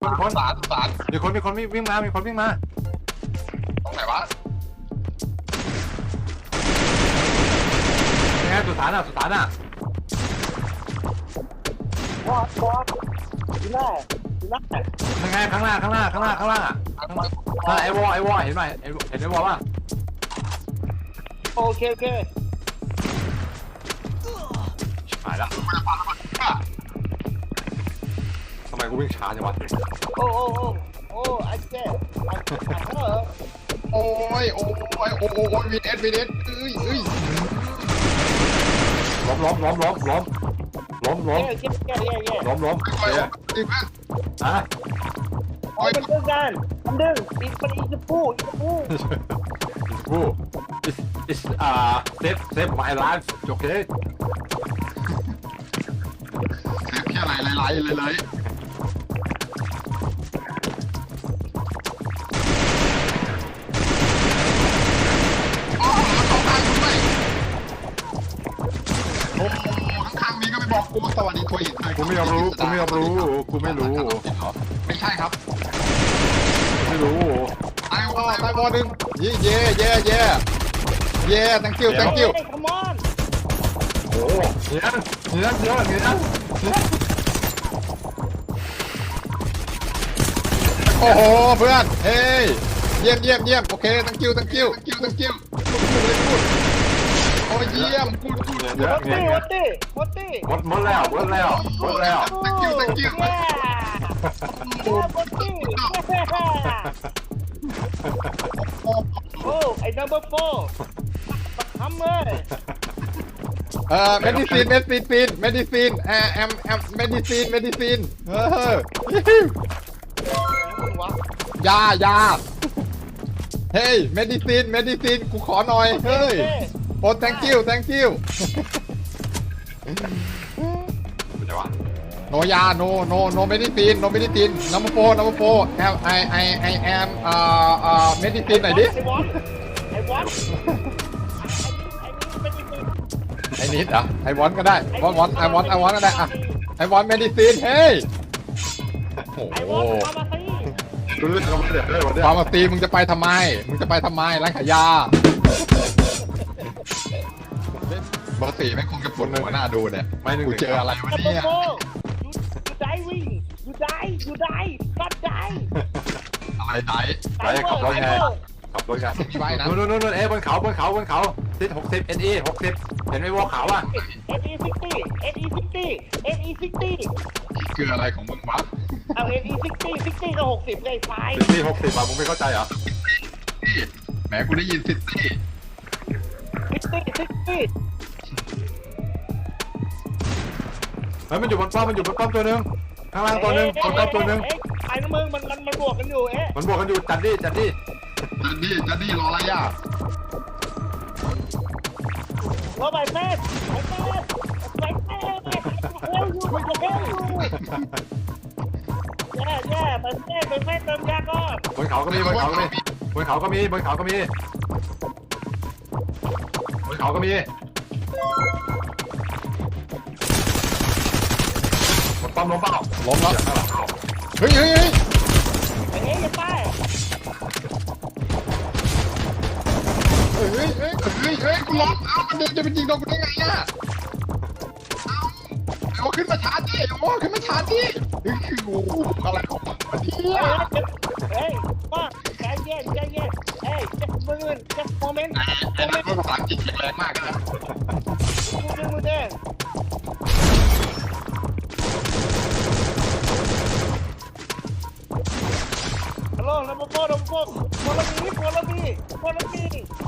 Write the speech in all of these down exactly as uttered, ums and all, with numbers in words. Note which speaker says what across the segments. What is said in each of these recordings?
Speaker 1: คนคน
Speaker 2: สารสาร
Speaker 1: มีคนมีคนวิ่งมามีคนวิ่งมา
Speaker 2: ตรงไหนวะ
Speaker 1: ยังไงสุสานอ่ะสุสานอ่ะ
Speaker 3: บอสบอสดูหน้าดูหน้า
Speaker 1: ยังไงข้างล่างข้างล่างข้างล่างข้างล่างอ่ะข้างล่างไอ้วอไอ้วอเห็นไหมเห็นเห็นไอ้วอป่ะ
Speaker 3: โอเคโอเค
Speaker 1: หายละทำไมกูวิ่งช้าจังวะ
Speaker 3: โอ้โอ้โอ้โอ้ไอ้เจ๊ไอ้เออ
Speaker 2: โอ้ยโอ้ยโอ้ยโอ้ยวีเอสวีเอสเอ้ยเอ้ย
Speaker 1: ล้มล้มล้มล้มล้มล้มล้ม
Speaker 3: เย่เย่เย่เย่
Speaker 1: ล้มล้ม
Speaker 2: โอ้ย
Speaker 1: เจ๊
Speaker 2: ตีเพื่อน
Speaker 1: อ่ะ
Speaker 3: โอ้ยมันดึงกันมันดึงอีกมันอีกจะพูอีกจะพู
Speaker 1: กู is is อ่า save save my life โอเค
Speaker 2: แค่ไหลไหลไหลไหลโอ้โหสองทางด้วยโอ้โหข้างๆนี้ก็ไม่บอกกูสวัสดีทัวร์หิน
Speaker 1: กูไม่ยอมรู้กูไม่ยอมรู้กูไม่รู้
Speaker 2: ไม่ใช่ครับ
Speaker 1: ไม่รู้
Speaker 2: ตายวอตายวอหนึ่งเย่เย่เย่เย่เย่ thank you thank you
Speaker 3: เฮ้ย come on
Speaker 1: โอ้เนียนเนียนเนียนเนียน
Speaker 2: โอ้โหเพื่อนเฮ้ยเยี่ยมเยี่ยมเยี่ยมโอเค thank you thank you thank you thank you พูดเลยพูดโอ้เยี่ยมพูดพูด
Speaker 1: เนียน
Speaker 3: วัต
Speaker 1: เนีย
Speaker 3: ตี้
Speaker 1: น
Speaker 3: วัตตี้วัตตี้
Speaker 1: หมดหมดแล้วหมดแล้วหมดแล้ว
Speaker 2: thank you thank you
Speaker 3: เย่โอ้วัตตี้โอ้ไอ้ number four ทำเลย
Speaker 2: เอ่อ medicine medicine medicine แอมแอมแอม medicine medicine เออ
Speaker 3: วะ
Speaker 2: ยายาเฮ้ย medicine medicine กูขอหน่อยเฮ้ยโอ้ thank you thank you
Speaker 1: เดี๋ยววะ
Speaker 2: no ยา no no no medicine no medicine number four number four am I I I am เอ่อเอ่อ medicine หน่อยดิ
Speaker 3: ไอ้วอตไอ้วอตไอ้นี่ไอ้นี่เป็น
Speaker 2: ไอ้นิดเหรอไอวอนก็ได้วอนวอนไอวอนไอวอนก็ได้อะไอวอนเมดิซีนเฮ้ยโอ้
Speaker 3: ไอ้
Speaker 2: โห
Speaker 3: วอตมาสิ
Speaker 1: กูเลือกเขาเดี๋ยวได้วันเนี้ย
Speaker 2: ฟาร์มาซีมึงจะไปทำไม มึงจะไปทำไมร้านขายยาปกติไม่คงจะปวดหัวหน้าดูเนี่ย
Speaker 1: ไม่หนึ่ง
Speaker 2: กูเจออะไรวะ
Speaker 3: ดับเบิล
Speaker 2: เนี่ย
Speaker 3: โฟยูไดวิ่งยูไดยูไดกัดได
Speaker 2: อะไรไหน
Speaker 1: ไปขับรถไงขับรถไง
Speaker 2: มีไว้นะ
Speaker 1: นู่นนู่นนู่นเอ๊ะบนเขาบนเขาบนเขาทิศหกสิบ เอ็น อี หกสิบเห็นไหมวอขาวอ่ะ
Speaker 3: เอ็นอีซิตี้เอ็นอีซิตี้เอ็นอีซิตี้
Speaker 2: คืออะไรของมึงวะ
Speaker 3: เอาเอ็นอีซิตี้ซิตี้ก็หกสิบเลยไฟ
Speaker 1: สิบสี่หกสิบอ่ะมึงไม่เข้าใจเหรอ
Speaker 2: นี่แหมกูได้ยินซิตี้
Speaker 3: ซิตี้ซิตี้
Speaker 1: เฮ้ยมันอยู่บนป้อมมันอยู่บนป้อมตัวหนึงข้างล่างตัวหนึงบนป้อมตัวหนึง
Speaker 3: ไอ้มึงมันมันมันบวกกันอยู่เอ๊ะ
Speaker 1: มันบวกกันอยู่จัดดิจัดดิ
Speaker 2: จันดี้จันดี้รออะไรอ่ะ
Speaker 3: รถไฟเฟสไฟเฟสไฟเฟสเฮลยูเฮลยูแย่แย่ไฟเฟสไฟเฟสเติมยาก่อน
Speaker 1: บนเขาก็มีบนเขาก็มีบนเขาก็มีบนเขาก็มีบนเขาก็มีบนป้อมล้มเปล่า
Speaker 2: ล้มแล้วเฮ้ยเฮ้ยเฮ้ย
Speaker 3: ไอ้เอ๊ะอย่าไป
Speaker 2: เฮ้ยเฮ้ยเฮ้ยเฮ้ยเฮ้ยกูล้มเอ้ามันเดินจะไปยิงโดนกูได้ไงอ่ะเอ้าไอ้โอ้ขึ้นมาชาร์จดิไอ้โอ้ขึ้นมาชาร์จดิเฮ้ยคือกูอะไรของมันวะเนี่ย
Speaker 3: เฮ้ยป้าใจเย็นใจเย็นเฮ้ย just moment just moment
Speaker 2: ไอ้นั่นก็ภาษาอังกฤษแข็งแรงมากนะ
Speaker 3: ดูดึงมือแดงฮัลโหลนัมเบอร์โฟร์นัมเบอร์โฟร์ follow me follow me follow me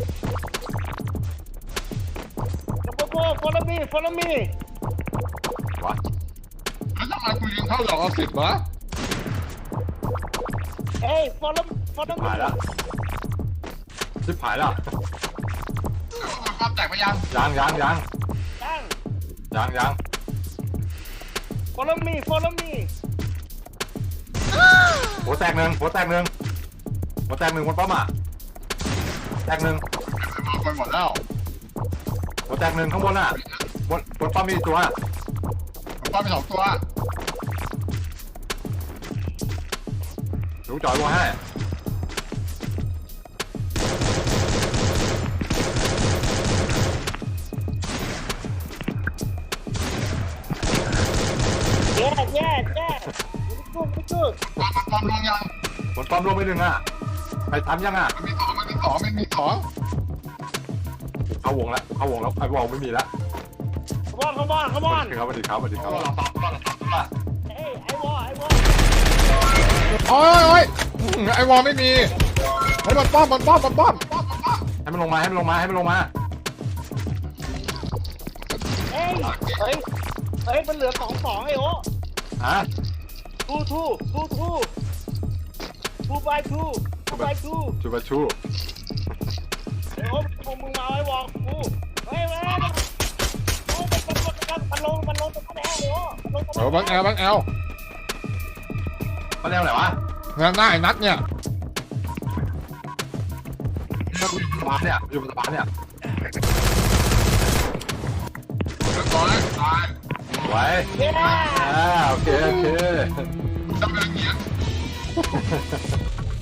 Speaker 3: number four follow me follow me
Speaker 1: วะ
Speaker 2: แล้วทำไมกูยิงเข้าหลอกเอาสิบวะ
Speaker 3: เฮ้ย follow follow me
Speaker 1: หายแล้วชิบหายแล้ว
Speaker 2: ความแตกไปยัง
Speaker 1: ยังยังยัง
Speaker 3: ตั้ง
Speaker 1: ยังยัง
Speaker 3: follow me follow me
Speaker 1: หัวแตกหนึ่งหัวแตกหนึ่งหัวแตกหนึ่งบนป้อมอ่ะแตกหนึ่ง
Speaker 2: มองไปหมดแล้ว
Speaker 1: หัวแตกหนึ่งข้างบนอ่ะบนบนป้อมมีตัว
Speaker 2: ผมป้าไปสองตัว
Speaker 1: ลูกจอยวัวให้
Speaker 3: แย่แย่แย่ไม่กู้ไม่กู้
Speaker 2: ปอมลงยัง
Speaker 1: ผลป้อมรวมไปหนึ่งอ่ะใครทำยังอ่ะ
Speaker 2: มันมีสองมันมีสองมันมีสอง
Speaker 1: เข้าวงแล้วเข้าวงแล้วไอ้วงไม่มีแล้ว
Speaker 3: ขมอนขมอนขมอน
Speaker 1: ถึงครับสวัสดีครับสวัสดีครับ
Speaker 3: เฮ้ยไอ้วอไอ้วอ
Speaker 2: โอ้ยโอ้ยไอวอลไม่มีไอ้บอลป้อมบอลป้อมบอลป้อม
Speaker 1: ให้มันลงมาให้มันลงมาให้มันลงมา
Speaker 3: เฮ้ยเฮ้ยเฮ้ยมันเหลือสองสองไอ้โอ้
Speaker 1: ฮะ
Speaker 3: ทูทูทูทูทูบายทูทูบายทู
Speaker 1: ชูบาชู
Speaker 3: ไอ้โอ้มึงมึงมาไอ้วอกูเฮ้ยเฮ้ยโอ้มันมันมันมันลงมันลงตรงนั้นแล้วโอ้ลงตรง
Speaker 2: เออบังแอลบังแอล
Speaker 1: มาเร็วไหนวะ
Speaker 2: หน้าหน้าไอ้นัทเนี่ย
Speaker 1: สะพานเนี่ยอยู่บนสะพานเนี่ย
Speaker 2: เรียบร้อยตาย
Speaker 1: ไว้
Speaker 3: เย้
Speaker 1: อ่าโอเคโอเค
Speaker 2: จะเป็นอย่างเงี้ย